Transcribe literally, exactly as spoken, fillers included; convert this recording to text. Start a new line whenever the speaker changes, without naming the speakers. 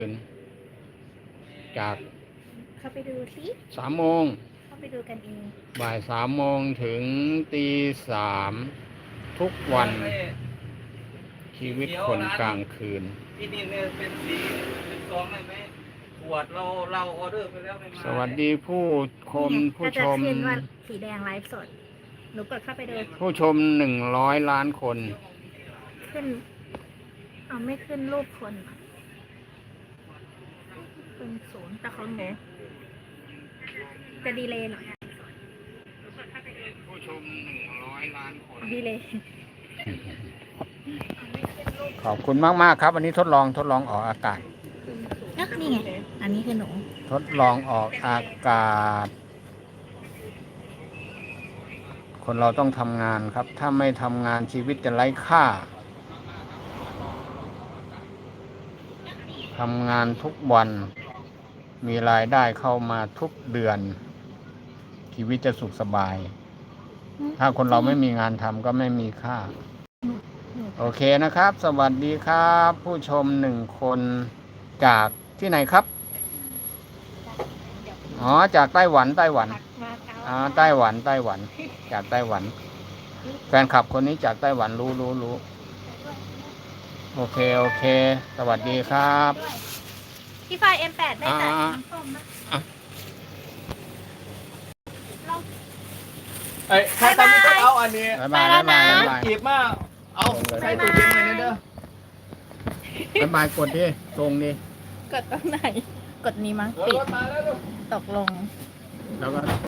จาก
เข้าไปดูสิ
สามโมง
เข้าไปดูกันเอง
บ่ายสามโมงถึงตีสามทุกวันชีวิตคนกลางคืน
ที่นี่เนี่ยเป็นสีเป็นซองได้ไหมขวดเราเราออเดอร์ไปแล้วไม่มา
สวัสดีผู้ชมผู้ชม
ขึ้นว่าสีแดงไลฟ์สดหนูกดเข้าไปดู
ผู้ชมหนึ่งร้อยล้านคน
ขึ้นเอาไม่ขึ้นรูปคนอะเป็นศูนย์แต่เขาหนูจะดีเลย์หน่อยอะ
ผู้ชมหนึ่งร้อยล้านคน
ดีเลย์
ขอบคุณมากมากๆครับวันนี้ทดลองทดลองออกอากาศ
อ่ะนี่ไงอันนี้คือหนู
ทดลองออกอากาศ คนเราต้องทำงานครับ ถ้าไม่ทำงานชีวิตจะไร้ค่าทำงานทุกวันมีรายได้เข้ามาทุกเดือน ชีวิตจะสุขสบาย ถ้าคนเราไม่มีงานทำก็ไม่มีค่า โอเคนะครับ สวัสดีครับ ผู้ชมหนึ่งคนจากที่ไหนครับ อ๋อ จากไต้หวันไต้หวันอ๋อไต้หวันไต้หวัน จากไต้หวัน แฟนคลับคนนี้จากไต้หวันรู้รู้รู้โอเคโอเค สวัสดีครับ
พี่ไฟ เอ็ม แปด ได้แต่น้ำส้มนะ
เอ้ยใครตอนนี้ต้องเอาอันนี้
บ๊ายบายบ๊ายบายบ๊ายบาย
จีบมาเอาใส่ตู้เย็นเลยนะเด้อ
บ๊ายบายกดดิตรงดิ
กดตรงไหน กดนี้มั้ง
ร
ปิด
ถมาแล้วลูก
ตกลง
แล้วก็